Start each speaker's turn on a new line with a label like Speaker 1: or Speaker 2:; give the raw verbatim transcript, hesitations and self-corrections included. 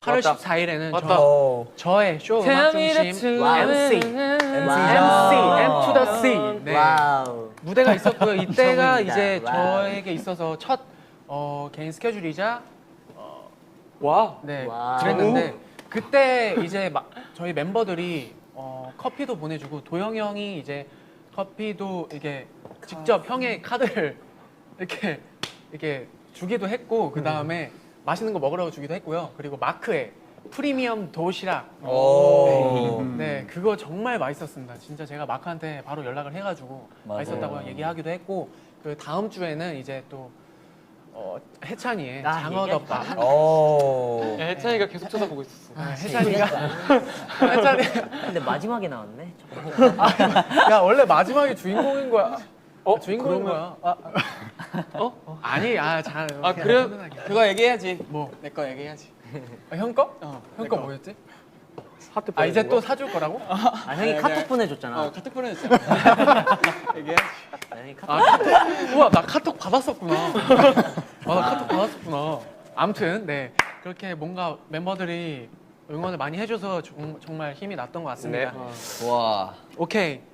Speaker 1: 팔월 십사일에는
Speaker 2: 맞다.
Speaker 1: 저, 저의 쇼 음악 중심
Speaker 3: 와우.
Speaker 1: 엠씨
Speaker 3: 엠씨.
Speaker 1: M to the C 네.
Speaker 3: 와우.
Speaker 1: 무대가 있었고요. 이때가
Speaker 3: 처음입니다.
Speaker 1: 이제
Speaker 3: 와우.
Speaker 1: 저에게 있어서 첫 어, 개인 스케줄이자
Speaker 2: 와.
Speaker 1: 네
Speaker 3: 와우.
Speaker 1: 그랬는데 그때 이제 막 저희 멤버들이 어, 커피도 보내주고 도영이 형이 이제 커피도 이게 직접 형의 카드를 이렇게 이렇게 주기도 했고 그 다음에 맛있는 거 먹으라고 주기도 했고요. 그리고 마크의 프리미엄 도시락
Speaker 4: 오.
Speaker 1: 네, 네, 그거 정말 맛있었습니다. 진짜 제가 마크한테 바로 연락을 해가지고
Speaker 4: 맞아요.
Speaker 1: 맛있었다고 얘기하기도 했고 그 다음 주에는 이제 또 어, 해찬이의
Speaker 3: 아,
Speaker 1: 장어덮밥
Speaker 4: 오.
Speaker 2: 야, 혜찬이가 계속 쳐다보고 있었어.
Speaker 1: 아, 해찬이가 해찬이
Speaker 3: 근데 마지막에 나왔네.
Speaker 1: 야 원래 마지막에 주인공인 거야.
Speaker 2: 어?
Speaker 1: 주인공인
Speaker 2: 그러면-
Speaker 1: 거야. 아, 어? 아니 아잘
Speaker 2: 아, 그래?
Speaker 5: 그거 얘기해야지.
Speaker 1: 뭐?
Speaker 5: 내 거 얘기해야지.
Speaker 1: 아, 형 거?
Speaker 5: 어,
Speaker 1: 형
Speaker 5: 내
Speaker 1: 거
Speaker 5: 거.
Speaker 1: 뭐였지?
Speaker 2: 하트
Speaker 1: 아 이제
Speaker 2: 보내준
Speaker 1: 또
Speaker 2: 거?
Speaker 1: 사줄 거라고?
Speaker 3: 아 형이
Speaker 5: 네,
Speaker 3: 카톡
Speaker 5: 네.
Speaker 3: 보내줬잖아.
Speaker 5: 어, 카톡 보내줬잖아. 얘기해야지.
Speaker 3: 아, 형이 카톡.
Speaker 1: 아 카톡? 우와 나 카톡 받았었구나. 아, 나 카톡 받았었구나. 아무튼 네 그렇게 뭔가 멤버들이 응원을 많이 해줘서 정, 정말 힘이 났던 것 같습니다.
Speaker 2: 네.
Speaker 4: 와.
Speaker 1: 오케이